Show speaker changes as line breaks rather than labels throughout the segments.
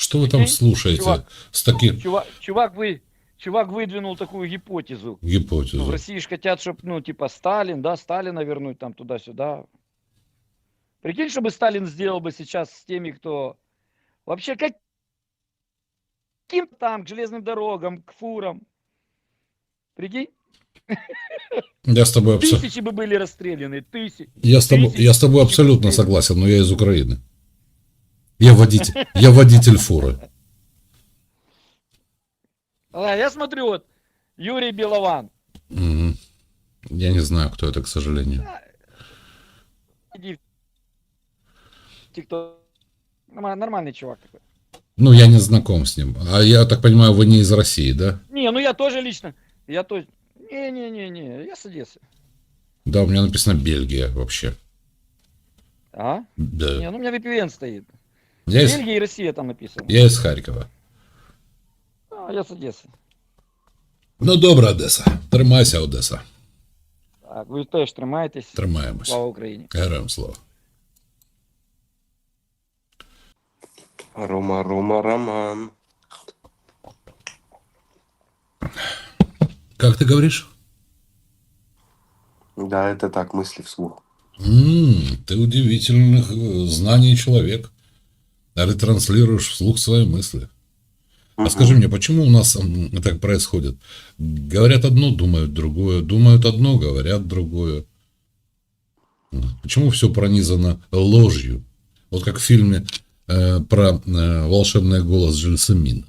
Что вы там
Прикинь,
слушаете с таким
чувак выдвинул такую гипотезу. Ну, в
гипотезу?
России же хотят, чтобы, ну, типа, Сталин, да, Сталина вернуть там туда-сюда. Прикинь, что бы Сталин сделал бы сейчас с теми, кто вообще каким там, к железным дорогам, к фурам. Прикинь,
Я с тобой,
тысячи бы были расстреляны,
я с тобой
тысячи бы
абсолютно
расстреляны.
согласен, но я из Украины. Я водитель фуры.
А я смотрю, вот, Юрий Белован.
Мгм. Я не знаю, кто это, к сожалению.
Иди в ТикТок. Нормальный чувак такой.
Ну, я не знаком с ним. А я так понимаю, вы не из России, да?
Не, ну я тоже лично. Я тоже. Не, я с Одессы.
Да, у меня написано Бельгия вообще.
А?
Да.
Не, ну у меня VPN стоит.
Я из,
Бельгия и Россия там написано.
я из Харькова.
А, я с Одессы.
Ну, добре, Одеса. Тримайся, Одеса.
Так, ви теж тримайтесь.
Тримаємось.
Слава Україні.
Героям слава.
Рома, Роман.
Как ты говоришь?
Да, это так, мысли вслух.
Ты удивительных знаний человек. Ретранслируешь вслух свои мысли. А скажи мне, почему у нас так происходит? Говорят одно, думают другое. Думают одно, говорят другое. Почему все пронизано ложью? Вот как в фильме про волшебный голос Жильсамина.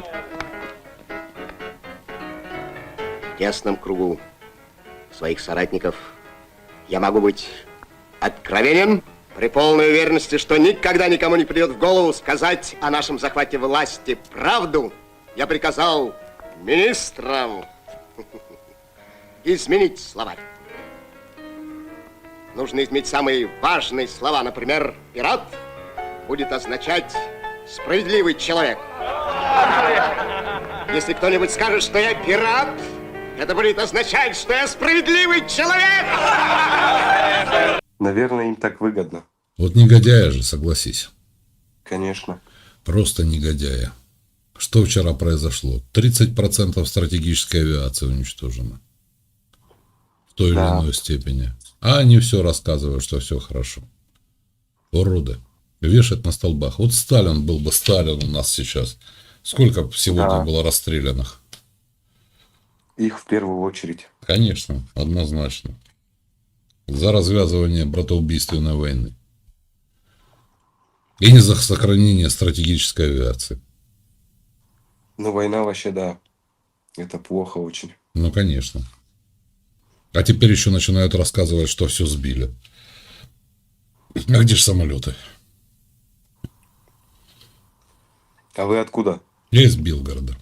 В тесном кругу своих соратников я могу быть откровенен при полной уверенности, что никогда никому не придет в голову сказать о нашем захвате власти правду. Я приказал министрам изменить словарь. Нужно изменить самые важные слова. Например, пират будет означать справедливый человек. Если кто-нибудь скажет, что я пират, это будет означать, что я справедливый человек.
Наверное, им так выгодно.
Вот негодяя же, согласись.
Конечно.
Просто негодяя. Что вчера произошло? 30% стратегической авиации уничтожено. В той или иной степени. А они все рассказывают, что все хорошо. Уроды. Вешать на столбах. Вот Сталин был бы Сталин у нас сейчас. Сколько сегодня было расстрелянных?
Их в первую очередь.
Конечно, однозначно. За развязывание братоубийственной войны. И не за сохранение стратегической авиации.
Ну, война вообще, да. Это плохо очень.
Ну, конечно. А теперь еще начинают рассказывать, что все сбили. А где же самолеты?
А вы откуда?
Я из Белгорода.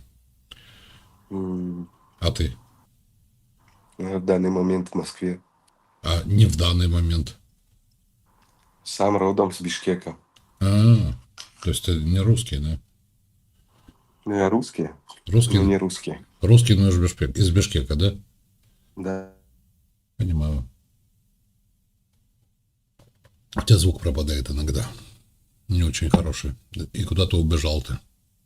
А ты?
В данный момент в Москве.
А не в данный момент.
Сам родом с Бишкека.
То есть ты не русский, да?
Ну, я русский.
Русский,
Но не русский.
русский, но из Бишкека, да?
Да.
Понимаю. У тебя звук пропадает иногда. Не очень хороший. И куда-то убежал ты.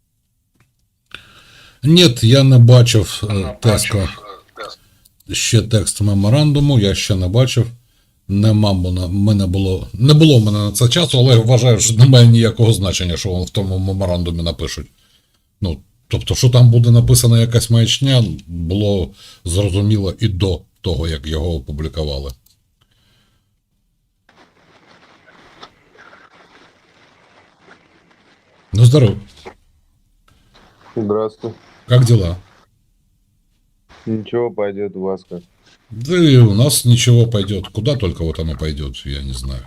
Нет, я не бачив тезку. Ще текст меморандуму, я ще не бачив. Не було в мене на це часу, але вважаю, що немає ніякого значення, що в тому меморандумі напишуть. Ну, тобто, що там буде написана якась маячня, було зрозуміло і до того, як його опублікували. Ну, здоров.
Здравствуй.
Как дела?
Ничего, пойдет у вас как.
Да и у нас ничего пойдет. Куда только вот оно пойдет, я не знаю.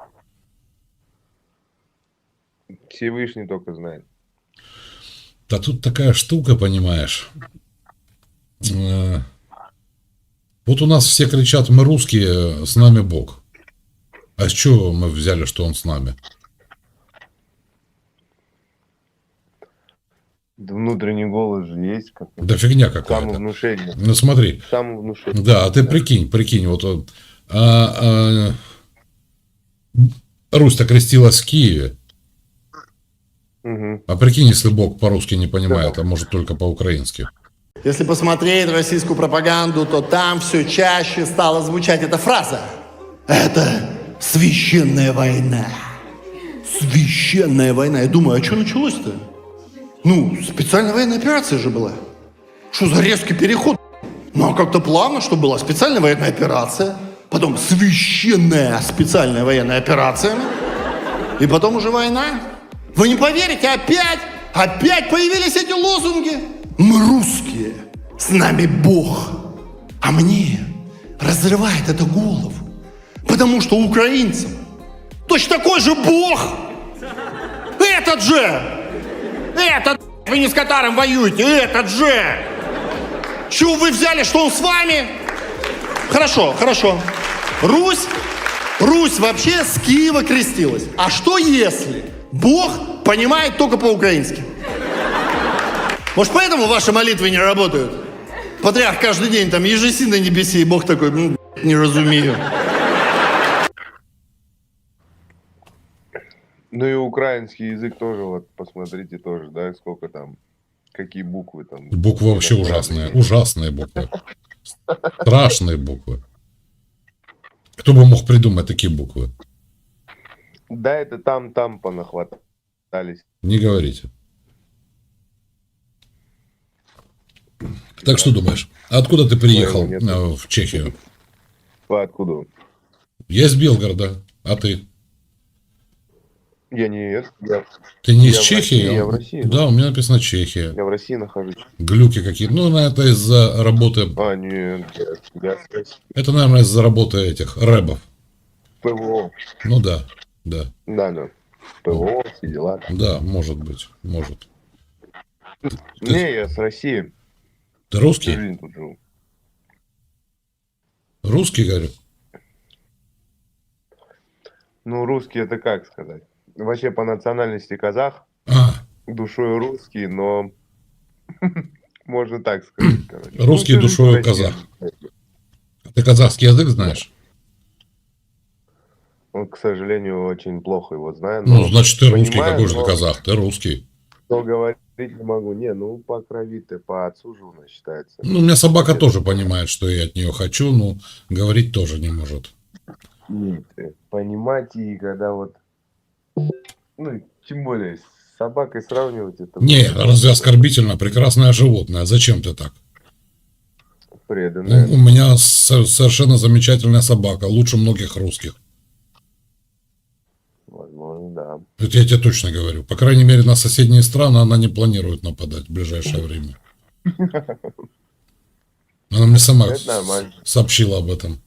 Всевышний только знает.
Да тут такая штука, понимаешь. Вот у нас все кричат, мы русские, с нами Бог. А с чего мы взяли, что он с нами?
Да внутренний голос же есть какой-то.
Да фигня какая-то.
Самовнушение.
Ну смотри.
Самовнушение.
Да, а ты прикинь, вот он. Русь-то крестилась в Киеве.
Мгм.
А прикинь, если Бог по-русски не понимает, а может только по-украински.
Если посмотреть российскую пропаганду, то там все чаще стала звучать эта фраза. Это священная война. Священная война. Я думаю, а что началось-то? Ну, специальная военная операция же была. Что за резкий переход? Ну, а как-то плавно, что была специальная военная операция, потом священная специальная военная операция, и потом уже война. Вы не поверите, опять появились эти лозунги. Мы русские, с нами Бог. А мне разрывает это голову, потому что украинцам точно такой же Бог. Этот же! Этот, вы не с Катаром воюете, этот же! Чего вы взяли, что он с вами? Хорошо. Русь вообще с Киева крестилась. А что если Бог понимает только по-украински? Может, поэтому ваши молитвы не работают? Патриарх каждый день там ежеси на небеси, и Бог такой, не разумею.
Ну и украинский язык тоже, вот посмотрите тоже, да, сколько там, какие буквы там.
Буквы вообще ужасные. Ужасные буквы. Страшные буквы. Кто бы мог придумать такие буквы?
Да, это там понахватались.
Не говорите. Так что думаешь? Откуда ты приехал
Нет.
в Чехию?
Откуда?
Я из Белгорода. А ты?
Я не...
Ты не из
Я в
Чехии?
России, я в России.
Да, у меня написано Чехия.
Я в России нахожусь.
Глюки какие. Ну, это из-за работы...
А, нет, я с России.
Это, наверное, из-за работы этих рэбов.
ПВО.
Ну да.
Да. ПВО, все дела.
Да, может быть. Может.
Не, я с России.
Ты
Всю
русский?
жизнь тут живу.
Русский, говорю?
Ну, русский это как сказать? Вообще по национальности казах,
А,
душой русский, но можно так сказать, короче.
Русский
Ну, всю
душою
жизнь в России.
казах. Ты казахский язык знаешь?
Он, к сожалению, очень плохо его знаю.
Ну,
но
значит, ты русский.
понимаю,
Какой же ты
но-
казах? Ты русский.
но говорить не могу. Не, ну по крови ты, по отцу же у нас считается.
Ну, у меня собака тоже понимает, что я от нее хочу, но говорить тоже не может.
Нет, понимать и когда вот... Ну, тем более, с собакой сравнивать это...
Не, разве оскорбительно? Прекрасное животное. Зачем ты так?
Преданное.
У меня совершенно замечательная собака. Лучше многих русских.
Возможно, да.
Это я тебе точно говорю. По крайней мере, на соседние страны она не планирует нападать в ближайшее время. Она мне сама
Это нормально.
сообщила об этом.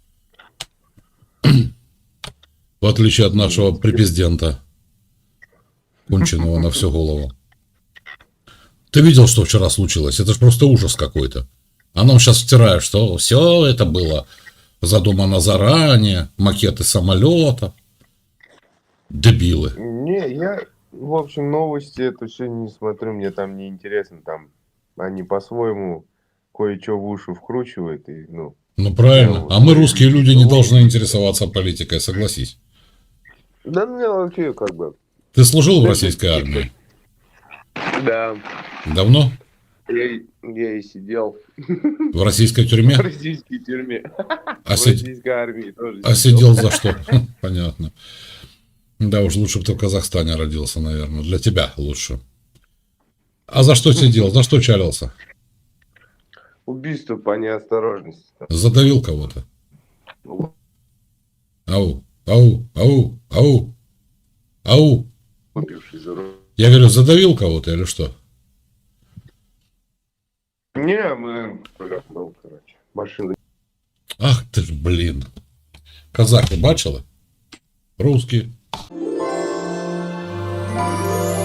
В отличие от нашего президента, конченого на всю голову. Ты видел, что вчера случилось? Это же просто ужас какой-то. А нам сейчас втирают, что все это было задумано заранее, макеты самолета. Дебилы.
Не, я, в общем, новости это все не смотрю, мне там не интересно, там они по-своему кое-что в уши вкручивают, и, ну,
Ну правильно. А мы, русские люди, не должны интересоваться политикой, согласись.
да мне вообще как бы...
Ты служил в российской армии?
Да,
Давно?
я и сидел
В российской тюрьме?
в российской тюрьме,
А,
в
си-
российской армии тоже
а сидел за что? Понятно. Да уж, лучше бы ты в Казахстане родился, наверное. Для тебя лучше. А за что сидел? За что чалился?
Убийство по неосторожности.
Задавил кого-то? Ау, ау, ау, ау, ау.
Выпивший за руль.
Я говорю, задавил кого-то или что?
Не, мы... Ну, короче, машина.
Ах ты ж, блин. Казахи бачили? Русские.